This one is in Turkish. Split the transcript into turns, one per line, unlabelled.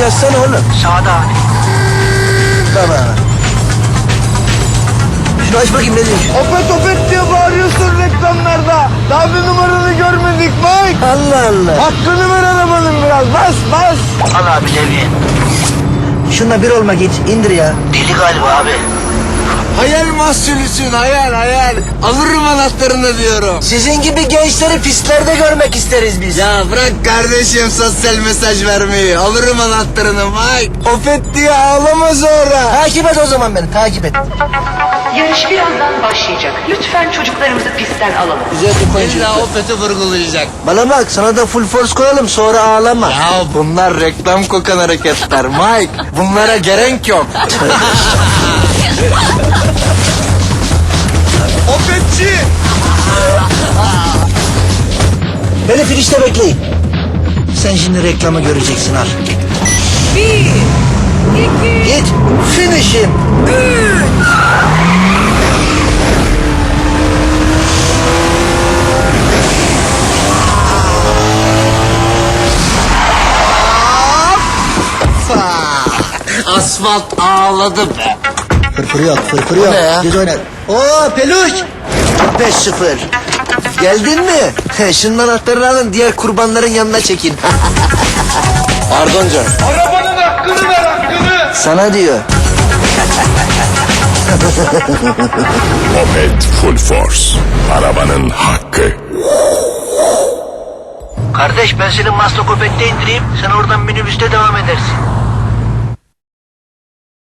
yazsana oğlum.
Sağda abi.
Tamam. Şunu aç bakayım ne diyor?
Opet opet diye bağırıyorsun reklamlarda. Daha bir numaranı görmedik Mike.
Allah Allah.
Hakkını ver arabanın biraz. Bas bas.
Al abi devriye.
Şunla bir olma git. İndir ya.
Deli galiba abi.
Hayal mahsulüsün hayal. Alırım anahtarını diyorum.
Sizin gibi gençleri pistlerde görmek isteriz biz.
Ya bırak kardeşim sosyal mesaj vermeyi. Alırım anahtarını Mike. Opet diye ağlama sonra.
Takip et o zaman beni. Takip et.
Yarış birazdan başlayacak. Lütfen çocuklarımızı pistten alalım.
Güzel bir koyun.
İlla Opet'i vurgulayacak.
Bana bak sana da full force koyalım sonra ağlama.
Ya bunlar reklam kokan hareketler Mike. Bunlara gerek yok. Opetçi.
Beni finişte bekleyin. Sen şimdi reklamı göreceksin al.
1, 2,
Git. Finish'im.
3.
Asfalt ağladı be.
Fırfır yok, fırfır yok.
ne ya?
Git oyna. Oo peluş. 5-0. Geldin mi? Şunun anahtarını alın diğer kurbanların yanına çekin.
Pardon canım.
Arabanın hakkını ver hakkını.
Sana diyor.
Opet Full Force. Arabanın hakkı.
Kardeş ben seni Maslakopet'te indireyim. Sen oradan minibüste devam edersin.